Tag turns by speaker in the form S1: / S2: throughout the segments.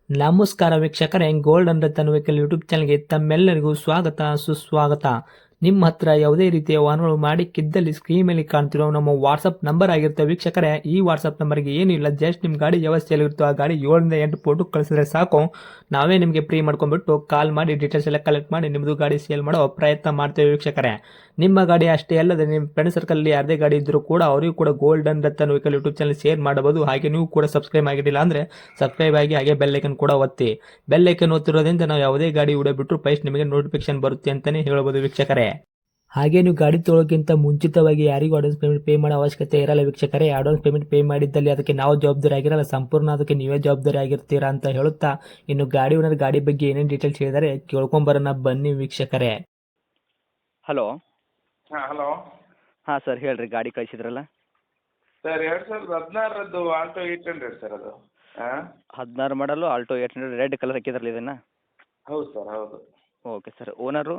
S1: ನಮಸ್ಕಾರ ವೀಕ್ಷಕರೇ, gold and Ratan vehicle YouTube ಚಾನಲ್ಗೆ ತಮ್ಮೆಲ್ಲರಿಗೂ ಸ್ವಾಗತ ಸುಸ್ವಾಗತ. ನಿಮ್ಮ ಹತ್ರ ಯಾವುದೇ ರೀತಿಯ ವಾಹನಗಳು ಮಾಡಿಕ್ಕಿದ್ದಲ್ಲಿ ಸ್ಕ್ರೀನ್ ಮೇಲೆ ಕಾಣ್ತಿರೋ ನಮ್ಮ ವಾಟ್ಸಪ್ ನಂಬರ್ ಆಗಿರುತ್ತೆ ವೀಕ್ಷಕರೇ. ಈ ವಾಟ್ಸಪ್ ನಂಬರ್ಗೆ ಏನಿಲ್ಲ, ಜಸ್ಟ್ ನಿಮ್ಮ ಗಾಡಿ ವ್ಯವಸ್ಥೆಯಲ್ಲಿರುತ್ತೋ ಆ ಗಾಡಿ 7 ರಿಂದ 8 ಫೋಟೋ ಕಳಿಸಿದ್ರೆ ಸಾಕು, ನಾವೇ ನಿಮಗೆ ಫ್ರೀ ಮಾಡ್ಕೊಂಡ್ಬಿಟ್ಟು ಕಾಲ್ ಮಾಡಿ ಡೀಟೇಲ್ಸ್ ಎಲ್ಲ ಕಲೆಕ್ಟ್ ಮಾಡಿ ನಿಮ್ಮದು ಗಾಡಿ ಸೇಲ್ ಮಾಡೋ ಪ್ರಯತ್ನ ಮಾಡ್ತೇವೆ ವೀಕ್ಷಕರೇ. ನಿಮ್ಮ ಗಾಡಿ ಅಷ್ಟೇ ಅಲ್ಲದೆ ನಿಮ್ಮ ಫ್ರೆಂಡ್ ಸರ್ಕಲ್ ಯಾರದೇ ಗಾಡಿ ಇದ್ದರೂ ಕೂಡ ಅವರಿಗೂ ಕೂಡ gold and Ratan vehicle YouTube channel share ಮಾಡಬಹುದು. ಹಾಗೆ ನೀವು ಕೂಡ ಸಬ್ಸ್ಕ್ರೈಬ್ ಆಗಿರಲಿಲ್ಲ ಅಂದರೆ ಸಬ್ಸ್ಕ್ರೈಬ್ ಆಗಿ ಹಾಗೆ ಬೆಲ್ ಐಕನ್ ಕೂಡ ಒತ್ತಿ. ಬೆಲ್ ಐಕನ್ ಒತ್ತಿರೋದ್ರಿಂದ ನಾವು ಯಾವುದೇ ಗಾಡಿ ವಿಡಿಯೋ ಬಿಟ್ಟರು ಫಸ್ಟ್ ನಿಮಗೆ ನೋಟಿಫಿಕೇಶನ್ ಬರುತ್ತೆ ಅಂತಾನೆ ಹೇಳ್ಬೋದು ವೀಕ್ಷಕರೇ. ಹಾಗೆ ನೀವು ಗಾಡಿ ತೊಳೋಕ್ಕಿಂತ ಮುಂಚಿತವಾಗಿ ಯಾರಿಗೂ ಅಡ್ವಾನ್ಸ್ ಪೇಮೆಂಟ್ ಪೇ ಮಾಡೋ ಅವಶ್ಯಕತೆ ಇರಲ್ಲ ವೀಕ್ಷಕರೇ. ಅಡ್ವಾನ್ಸ್ ಪೇಮೆಂಟ್ ಪೇ ಮಾಡಿದ್ದಲ್ಲಿ ಅದಕ್ಕೆ ನಾವು ಜವಾಬ್ದಾರಿ ಆಗಿರಲ್ಲ, ಸಂಪೂರ್ಣ ಅದಕ್ಕೆ ನೀವೇ ಜವಾಬ್ದಾರಿ ಆಗಿರ್ತೀರಾ ಅಂತ ಹೇಳುತ್ತಾ, ಇನ್ನು ಗಾಡಿ ಓನರ್ ಗಾಡಿ ಬಗ್ಗೆ ಏನೇನು ಡೀಟೇಲ್ಸ್ ಹೇಳಿದರೆ ಕೇಳ್ಕೊಂಬರೋಣ ಬನ್ನಿ ವೀಕ್ಷಕರೇ.
S2: ಹಲೋ.
S3: ಹಾಂ ಹಲೋ.
S2: ಹಾಂ ಸರ್, ಹೇಳ್ರಿ, ಗಾಡಿ ಕಳಿಸಿದ್ರಲ್ಲ
S3: ಸರ್ 2016ರದ್ದು ಆಲ್ಟೋ 800 ಸರ್ ಅದು. ಹಾಂ
S2: 16 ಮಾಡಲು ಆಲ್ಟೋ 800 ರೆಡ್ ಕಲರ್ ಹಾಕಿದ್ರಲ್ಲ ಇದನ್ನು?
S3: ಹೌದು ಸರ್, ಹೌದು.
S2: Okay sir. Owner?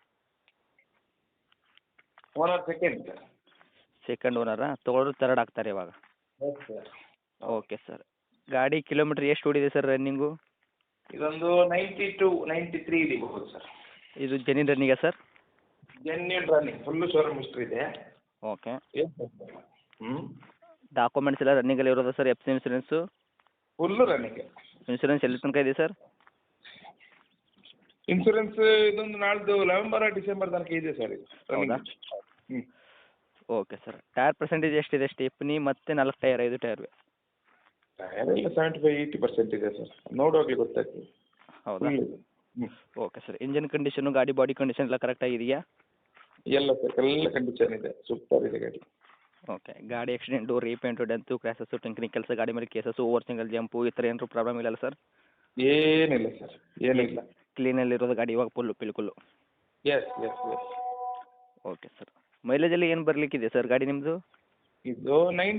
S3: Owner second sir.
S2: Second ಓನರಾ? ತೊಗೊಳೋರು ತರ್ಡ್ ಆಗ್ತಾರೆ ಇವಾಗ?
S3: ಹೌದು ಸರ್.
S2: Okay sir. ಗಾಡಿ ಕಿಲೋಮೀಟ್ರ್ ಎಷ್ಟು ಓಡಿದೆ ಸರ್ ರನ್ನಿಂಗು?
S3: ಇದೊಂದು 92 93 ಇದಿಬಹುದು ಸರ್.
S2: ಇದು ಜೆನ್ಯೂನ್ ರನ್ನಿಂಗಾ sir?
S3: Genuine running, full showroom history ಇದೆ.
S2: ಓಕೆ.
S3: ಹ್ಞೂ
S2: ಡಾಕ್ಯುಮೆಂಟ್ಸ್ ಎಲ್ಲ ರನ್ನಿಂಗಲ್ಲಿ ಇರೋದಾ ಸರ್? F C insurance?
S3: Full running.
S2: Insurance ಎಲ್ಲಿ ತನಕ ಇದೆ ಸರ್?
S3: ಇನ್ಸೂರೆನ್ಸ್ ಇದೊಂದು ನಾಳ್ದು ನವೆಂಬರ್ ಡಿಸೆಂಬರ್ ತನಕ ಇದೆ ಸರ್ ಇದು.
S2: ಹೌದಾ?
S3: ಹ್ಞೂ.
S2: Okay sir. ಟೈರ್ ಪರ್ಸೆಂಟೇಜ್ ಎಷ್ಟಿದೆ? ಸ್ಟೆಪ್ನಿ ಮತ್ತು 4 ಟೈರ್, 5 ಟೈರ್?
S3: ಟೈರ್ ಎಲ್ಲ 75-80% ಇದೆ ಸರ್, ನೋಡುವಾಗಲೇ ಗೊತ್ತಾಗ್ತದೆ.
S2: ಹೌದಾ?
S3: ಹ್ಞೂ.
S2: Okay sir. ಇಂಜನ್ ಕಂಡೀಷನು, ಗಾಡಿ ಬಾಡಿ ಕಂಡೀಷನ್ ಎಲ್ಲ ಕರೆಕ್ಟಾಗಿದೆಯಾ?
S3: ಎಲ್ಲ ಸರ್, ಎಲ್ಲ ಕಂಡೀಷನ್ ಇದೆ, ಸೂಪರ್ ಇದೆ ಗಾಡಿ.
S2: ಓಕೆ. ಗಾಡಿ ಆಕ್ಸಿಡೆಂಟು, ರೀಪೇಂಟು, ಡೆಂತು, ಕ್ರ್ಯಾಸಸ್ಸು, ಟೆಂಕನಿಂಗ್ ಕೆಲಸ, ಗಾಡಿ ಮೇಲೆ ಕೇಸಸ್ಸು, ಓವರ್ ಸಿಂಗಲ್ ಜಂಪು ಈ ಥರ ಏನಾದ್ರು ಪ್ರಾಬ್ಲಮ್ ಇಲ್ಲಲ್ಲ ಸರ್?
S3: ಏನಿಲ್ಲ ಸರ್, ಏನಿಲ್ಲ.
S2: ಕ್ಲೀನಲ್ಲಿರೋದು ಗಾಡಿ ಇವಾಗ ಫುಲ್ಲು ಪಿಲ್ಕುಲ್ಲು?
S3: Yes yes yes.
S2: Okay sir. ಮೈಲೇಜಲ್ಲಿ ಏನು ಬರಲಿಕ್ಕಿದೆ ಸರ್ ಗಾಡಿ ನಿಮ್ಮದು?
S3: ಇದು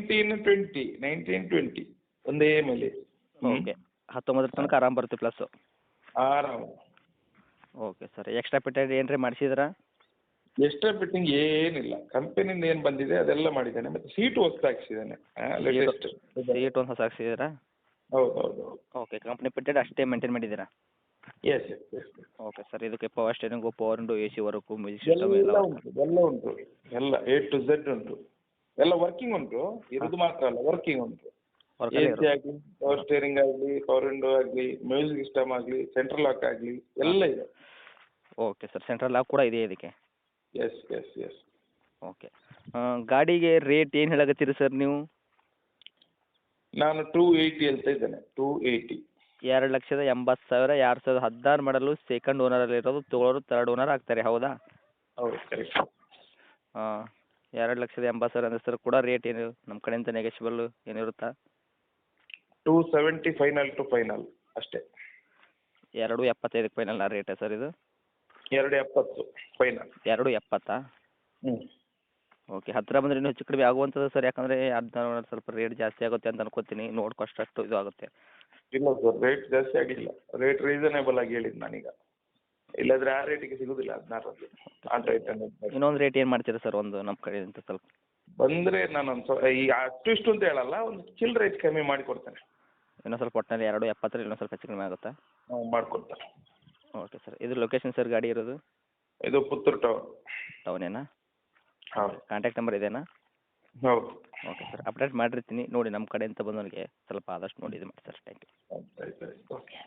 S3: 19-20 ಒಂದೇ ಮೈಲೇಜ್.
S2: ಓಕೆ. 19 ತನಕ ಆರಾಮ್ ಬರುತ್ತೆ ಪ್ಲಸ್ಸು?
S3: ಆರಾಮ.
S2: Okay sir. ಎಕ್ಸ್ಟ್ರಾ ಪೆಟೆಡ್ ಏನ್ರಿ ಮಾಡಿಸಿದ್ರಾ?
S3: ಎಕ್ಸ್ಟ್ರಾ ಫಿಟ್ಟಿಂಗ್ ಏನಿಲ್ಲ, ಕಂಪನಿಯಿಂದ ಏನು ಬಂದಿದೆ ಅದೆಲ್ಲ ಮಾಡಿದ್ದಾನೆ, ಮತ್ತು ಸೀಟು ಹೊಸ್ತು ಹಾಕ್ಸಿದ್ದಾನೆ, ಲೇಟೆಸ್ಟ್.
S2: ಸೀಟ್ ಒಂದು ಹೊಸ ಹಾಕ್ಸಿದ್ದೀರಾ?
S3: ಹೌದು ಹೌದು ಹೌದು.
S2: ಓಕೆ. ಕಂಪ್ನಿ ಪೆಟೆಡ್ ಅಷ್ಟೇ ಮೇಂಟೈನ್ ಮಾಡಿದ್ದೀರಾ?
S3: Yes yes yes.
S2: Okay sir. ಇದಕ್ಕೆ power steering, power window, A C work, music system
S3: ಎಲ್ಲ
S2: ಎಲ್ಲ
S3: ಉಂಟು, ಎಲ್ಲ ಉಂಟು, ಎಲ್ಲ A to Z ಉಂಟು, ಎಲ್ಲ ವರ್ಕಿಂಗ್ ಉಂಟು. ಇರೋದು ಮಾತ್ರ ಅಲ್ಲ, ವರ್ಕಿಂಗ್ ಉಂಟು.
S2: ವರ್ಕಲ್ಲಿ
S3: AC ಆಗಲಿ, ಪವರ್ ಸ್ಟೇರಿಂಗ್ ಆಗಲಿ, ಪವರ್ ವಿಂಡೋ ಆಗಲಿ, ಮ್ಯೂಸಿಕ್ ಸಿಸ್ಟಮ್ ಆಗಲಿ, ಸೆಂಟ್ರಲ್ ಲಾಕ್ ಆಗಲಿ, ಎಲ್ಲ ಇದೆ.
S2: Okay sir. ಸೆಂಟ್ರಲ್ ಲಾಕ್ ಕೂಡ ಇದೆ ಇದಕ್ಕೆ?
S3: Yes yes yes.
S2: ಓಕೆ. ಗಾಡಿಗೆ ರೇಟ್ ಏನು ಹೇಳಕತ್ತೀರಿ ಸರ್ ನೀವು?
S3: ನಾನು 280 ಹೇಳ್ತಾ ಇದ್ದೇನೆ, 280.
S2: 2,80,000, 2016 ಮಾಡಲು, ಸೆಕೆಂಡ್ ಓನರಲ್ಲಿರೋದು, ತೊಗೊಳೋರು ತರ್ಡ್ ಓನರ್ ಆಗ್ತಾರೆ, ಹೌದಾ?
S3: ಹೌದು ಕರೆಕ್ಟ್.
S2: ಹಾಂ. 2,80,000 ಅಂದರೆ ಸರ್ ಕೂಡ ರೇಟ್ ಏನು ನಮ್ಮ ಕಡೆಯಿಂದ ನೆಗೆಶಿಬಲ್ಲು ಏನಿರುತ್ತಾ?
S3: 270 ಫೈನಲ್ ಟು ಫೈನಲ್ ಅಷ್ಟೇ.
S2: 2,75ಕ್ಕೆ ಫೈನಲ್ ರೇಟಾ ಸರ್ ಇದು?
S3: 270 ಫೈನಲ್.
S2: 2,70?
S3: ಹ್ಞೂ.
S2: ಓಕೆ. ಹತ್ತಿರ ಬಂದರೆ ಇನ್ನೂ ಹೆಚ್ಚು ಕಡಿಮೆ ಆಗುವಂಥದ್ದು ಸರ್, ಯಾಕಂದರೆ ಅದನ್ನ ಸ್ವಲ್ಪ ರೇಟ್ ಜಾಸ್ತಿ ಆಗುತ್ತೆ ಅಂತ ಅನ್ಕೋತೀನಿ, ನೋಡ್ಕೊಷ್ಟಷ್ಟು ಇದು ಆಗುತ್ತೆ.
S3: ಇಲ್ಲ ಸರ್, ರೇಟ್ ಜಾಸ್ತಿ ಆಗಿಲ್ಲ, ರೇಟ್ ರೀಸನೇಬಲ್ ಆಗಿ ಹೇಳಿದ್ದು ನಾನೀಗ, ಇಲ್ಲಾಂದರೆ ಆ ರೇಟಿಗೆ ಸಿಗೋದಿಲ್ಲ 16ರಲ್ಲಿ ಆಲ್ಟೋ 800.
S2: ಇನ್ನೊಂದು ರೇಟ್ ಏನು ಮಾಡ್ತೀರಾ ಸರ್ ಒಂದು ನಮ್ಮ ಕಡೆಯಿಂದ ಸ್ವಲ್ಪ?
S3: ಬಂದರೆ ನಾನೊಂದು ಈಗ ಅಷ್ಟು ಇಷ್ಟು ಅಂತ ಹೇಳಲ್ಲ, ಒಂದು ಚಿಲ್ಲರೆ ಹೆಚ್ಚು ಕಮ್ಮಿ ಮಾಡಿ ಕೊಡ್ತೇನೆ.
S2: ಇನ್ನೂ ಸ್ವಲ್ಪ ಒಟ್ಟಿನಲ್ಲಿ 2,70 ಇನ್ನೂ ಸ್ವಲ್ಪ ಹೆಚ್ಚು ಕಡಿಮೆ ಆಗುತ್ತಾ?
S3: ಮಾಡಿಕೊಡ್ತೇನೆ.
S2: Okay sir. ಇದು ಲೊಕೇಶನ್ ಸರ್ ಗಾಡಿ ಇರೋದು?
S3: ಇದು ಪುತ್ತೂರು
S2: ಟೌನೇನಾ?
S3: ಹೌದು
S2: ಕಾಂಟ್ಯಾಕ್ಟ್ ನಂಬರ್ ಇದೇನಾ?
S3: ಹೌದು.
S2: Okay sir. ಅಪ್ಡೇಟ್ ಮಾಡಿರ್ತೀನಿ ನೋಡಿ, ನಮ್ಮ ಕಡೆಯಿಂದ ಬಂದವನಿಗೆ ಸ್ವಲ್ಪ ಆದಷ್ಟು ನೋಡಿ ಇದು ಮಾಡಿ ಸರ್. Thank you.
S3: ಆಯ್ತು ಆಯ್ತು ಓಕೆ.